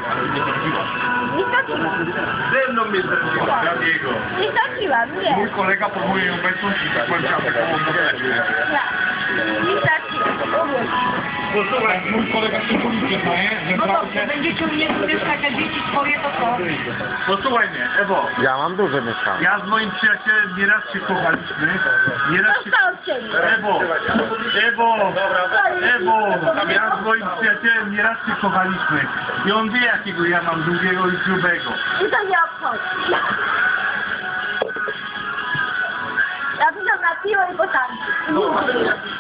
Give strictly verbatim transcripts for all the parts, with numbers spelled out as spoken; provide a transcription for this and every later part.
Ale nie zrobiłaś. Nie straciłam. Ze mną mnie zrobiła, Gabiego. Nie straciłam, nie. Mój kolega próbuje ją obecność i tak powiedział taką modeczkę. Ja. Nie straciłam. Posłuchaj, mój kolega się policję znaje, że No prawdę... dobrze, będziecie mnie będziesz takie dzieci swoje, to co? Posłuchaj mnie, Ewo. Ja mam duże mieszkanie. Ja z moim przyjacielem nieraz się kochaliśmy. Nieraz się... Dostał cię. Ewo, Ewo, Ewo, ja z moim przyjacielem nieraz się kochaliśmy. I on wie, jakiego ja mam długiego i grubego. I to nie obchodzi. Ja pisam na piwo i potanki.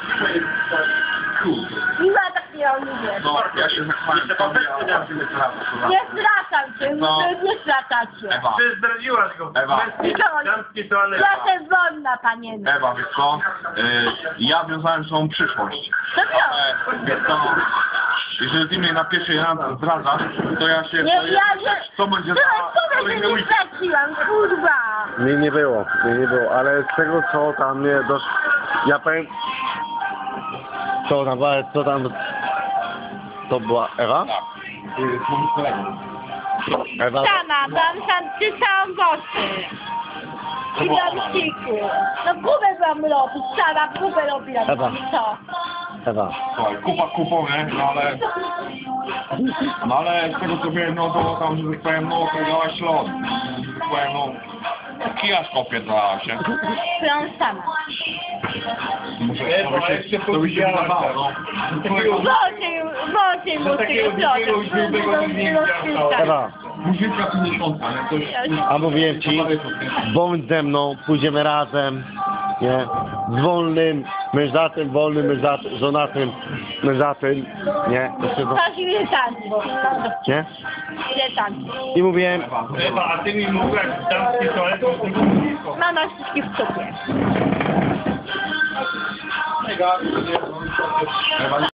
Nie ma takiego lubię. No, ja się zachwałem. Nie zwracam cię, No. nie zwracacie. Ewa. Ty zdradziłaś go. Ewa. Damskie toalety. Ja jestem wolna, panienka. Ewa, wiesz co? Y, ja wiązałem swoją przyszłość. To co? Ale, wiesz co? Jeżeli ty mnie na pierwszej randce zdradzasz, to ja się... Nie, to ja nie... Co będzie Tyle za powiem, że kolejny nie weekend? straciłam, kurwa. Mnie nie było, mnie nie było, ale z tego co tam mnie doszło, ja powiem, co tam, co tam, to była Ewa? Tak. Y, z moim kolegą. Ewa? Sama, tam sam czytałam goszy. I na ściku. No próbę wam robić, sama próbę robiłam. Ewa. I co? Ewa. Słuchaj, kupa kupą, nie? No ale... No ale z tego co wiem, no to tam, że tak powiem, no kregałaś lot. Że tak powiem, no... Kijasz opierdalała się. Byłam sama. Muszę, to by się, to by się wydawało, no. Wodzie, wodzie mu takiego tego drugiego źródłego nie widziałem. Ewa, Muzyka pięćdziesiąta, nie? Coś... a mówiłem ci, bądź ze mną, pójdziemy razem, nie? Z wolnym, mężatym, wolnym, mężatym, żonatym, mężatym, nie? To się do... Chodź ile tanki. Nie? Ile tanki. I mówiłem, Ewa, a ty mi mówiłaś, damskie toalety z tego blisko. Mama wszystkie w sobie. Ewa,